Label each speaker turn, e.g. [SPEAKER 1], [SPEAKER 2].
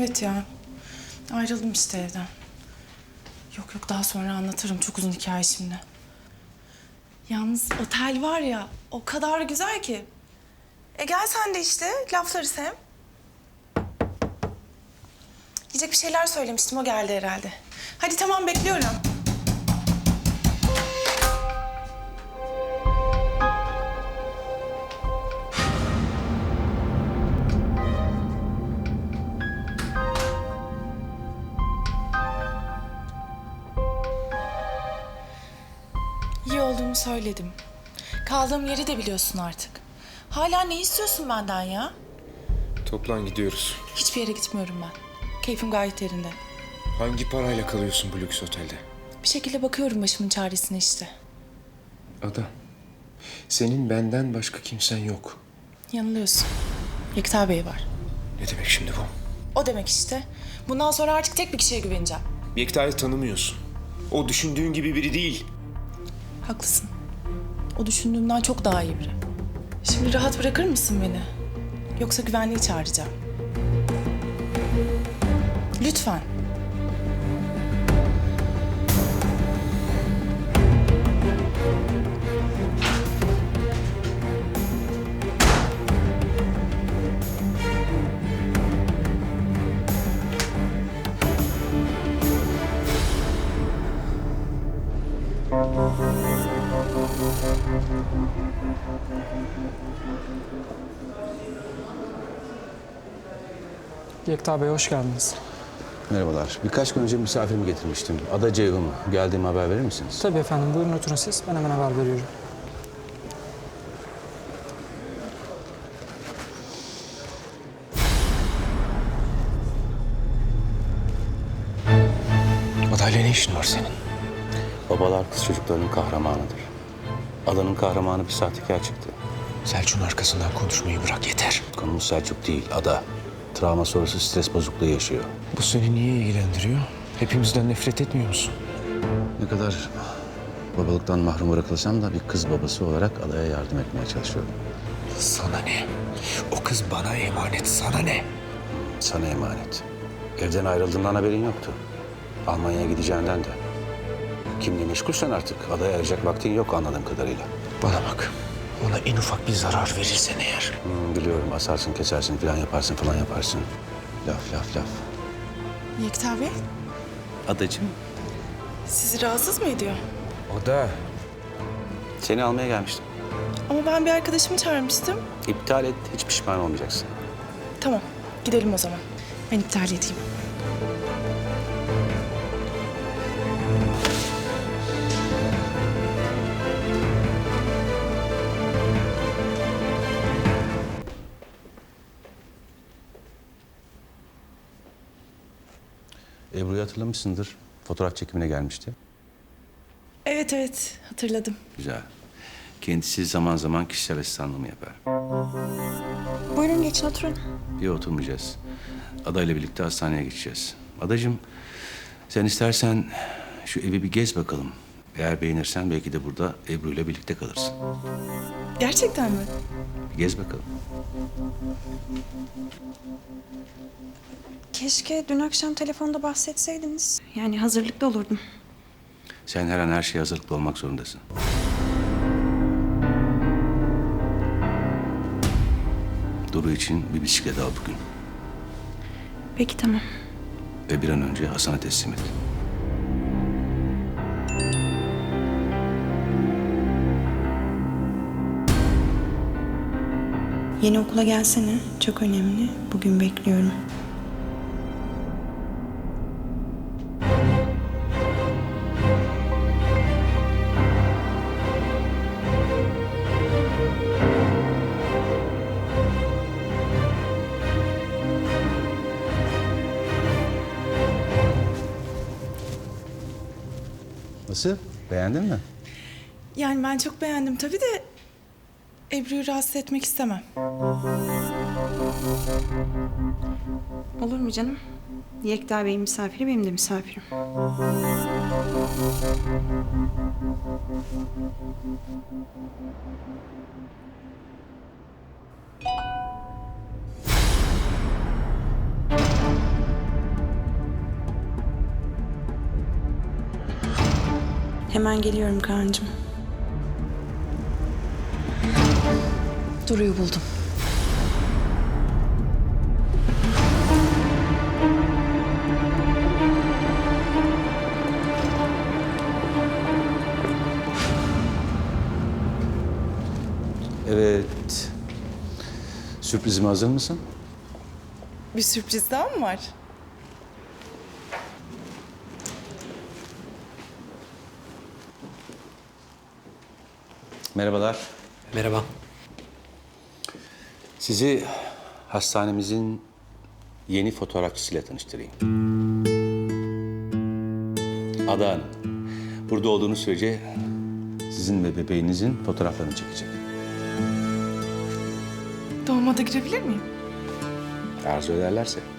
[SPEAKER 1] Evet ya. Ayrıldım işte evden. Yok daha sonra anlatırım. Çok uzun hikaye şimdi. Yalnız otel var ya o kadar güzel ki. Gel sen de işte laflarız hem. Yiyecek bir şeyler söylemiştim o geldi herhalde. Hadi tamam bekliyorum. İyi olduğumu söyledim. Kaldığım yeri de biliyorsun artık. Hala ne istiyorsun benden ya?
[SPEAKER 2] Toplan gidiyoruz.
[SPEAKER 1] Hiçbir yere gitmiyorum ben. Keyfim gayet yerinde.
[SPEAKER 2] Hangi parayla kalıyorsun bu lüks otelde?
[SPEAKER 1] Bir şekilde bakıyorum başımın çaresine işte.
[SPEAKER 2] Ada, senin benden başka kimsen yok.
[SPEAKER 1] Yanılıyorsun. Yekta Bey var.
[SPEAKER 2] Ne demek şimdi bu?
[SPEAKER 1] O demek işte. Bundan sonra artık tek bir kişiye güveneceğim.
[SPEAKER 2] Yekta'yı tanımıyorsun. O düşündüğün gibi biri değil.
[SPEAKER 1] Haklısın. O düşündüğümden çok daha iyi biri. Şimdi rahat bırakır mısın beni? Yoksa güvenliği çağıracağım. Lütfen.
[SPEAKER 3] Yekta Bey hoş geldiniz.
[SPEAKER 4] Merhabalar. Birkaç gün önce misafirimi getirmiştim. Ada Ceyhun. Geldiğimi haber verir misiniz?
[SPEAKER 3] Tabii efendim, buyurun oturun siz. Ben hemen haber veriyorum.
[SPEAKER 2] Adayla ne işin var senin?
[SPEAKER 4] Babalar kız çocuklarının kahramanıdır. Adanın kahramanı bir sahtekar çıktı.
[SPEAKER 2] Selçuk'un arkasından konuşmayı bırak yeter.
[SPEAKER 4] Konumuz Selçuk değil, Ada. Travma sonrası stres bozukluğu yaşıyor.
[SPEAKER 2] Bu seni niye ilgilendiriyor? Hepimizden nefret etmiyor musun?
[SPEAKER 4] Ne kadar babalıktan mahrum bırakılsam da bir kız babası olarak Ada'ya yardım etmeye çalışıyorum.
[SPEAKER 2] Sana ne? O kız bana emanet, sana ne?
[SPEAKER 4] Sana emanet. Evden ayrıldığından haberin yoktu. Almanya'ya gideceğinden de. Kimle meşgulsen artık Ada'ya ayıracak vaktin yok anladığım kadarıyla.
[SPEAKER 2] Bana bak, ona en ufak bir zarar verirsen eğer.
[SPEAKER 4] Biliyorum asarsın, kesersin falan yaparsın. Laf.
[SPEAKER 1] Yekta Bey,
[SPEAKER 4] Adacığım.
[SPEAKER 1] sizi rahatsız mı ediyor?
[SPEAKER 2] O da
[SPEAKER 4] Seni almaya gelmiştim.
[SPEAKER 1] Ama ben bir arkadaşımı çağırmıştım.
[SPEAKER 4] İptal et, hiç pişman olmayacaksın.
[SPEAKER 1] Tamam, gidelim o zaman. Ben iptal edeyim.
[SPEAKER 4] Ebru'yu hatırlamışsındır. Fotoğraf çekimine gelmişti.
[SPEAKER 1] Evet, hatırladım.
[SPEAKER 4] Güzel. Kendisi zaman zaman kişisel asistanlığımı yapar.
[SPEAKER 5] Buyurun geçin oturun.
[SPEAKER 4] Bir oturmayacağız. Ada ile birlikte hastaneye geçeceğiz. Adacığım, sen istersen şu evi bir gez bakalım. Eğer beğenirsen belki de burada Ebru ile birlikte kalırsın.
[SPEAKER 1] Gerçekten mi?
[SPEAKER 4] Bir gez bakalım.
[SPEAKER 5] Keşke dün akşam telefonda bahsetseydiniz. Yani hazırlıklı olurdum.
[SPEAKER 4] Sen her an her şeye hazırlıklı olmak zorundasın. Duru için bir bisiklet al bugün.
[SPEAKER 5] Peki tamam.
[SPEAKER 4] Ve bir an önce Hasan'a teslim et.
[SPEAKER 5] Yeni okula gelsene. Çok önemli. Bugün bekliyorum.
[SPEAKER 4] Nasıl? Beğendin mi?
[SPEAKER 1] Yani ben çok beğendim tabii de Ebru'yu rahatsız etmek istemem.
[SPEAKER 5] Olur mu canım? Yekta Bey'in misafiri benim de misafirim. Hemen geliyorum Kaan'cığım.
[SPEAKER 1] Duru'yu buldum.
[SPEAKER 4] Evet. Sürprizime hazır mısın?
[SPEAKER 1] Bir sürpriz daha mı var?
[SPEAKER 4] Merhabalar.
[SPEAKER 2] Merhaba.
[SPEAKER 4] Sizi hastanemizin yeni fotoğrafçısıyla tanıştırayım. Ada Hanım. Burada olduğunuz sürece sizin ve bebeğinizin fotoğraflarını çekecek.
[SPEAKER 1] Doğuma da girebilir miyim?
[SPEAKER 4] Arzu ederlerse.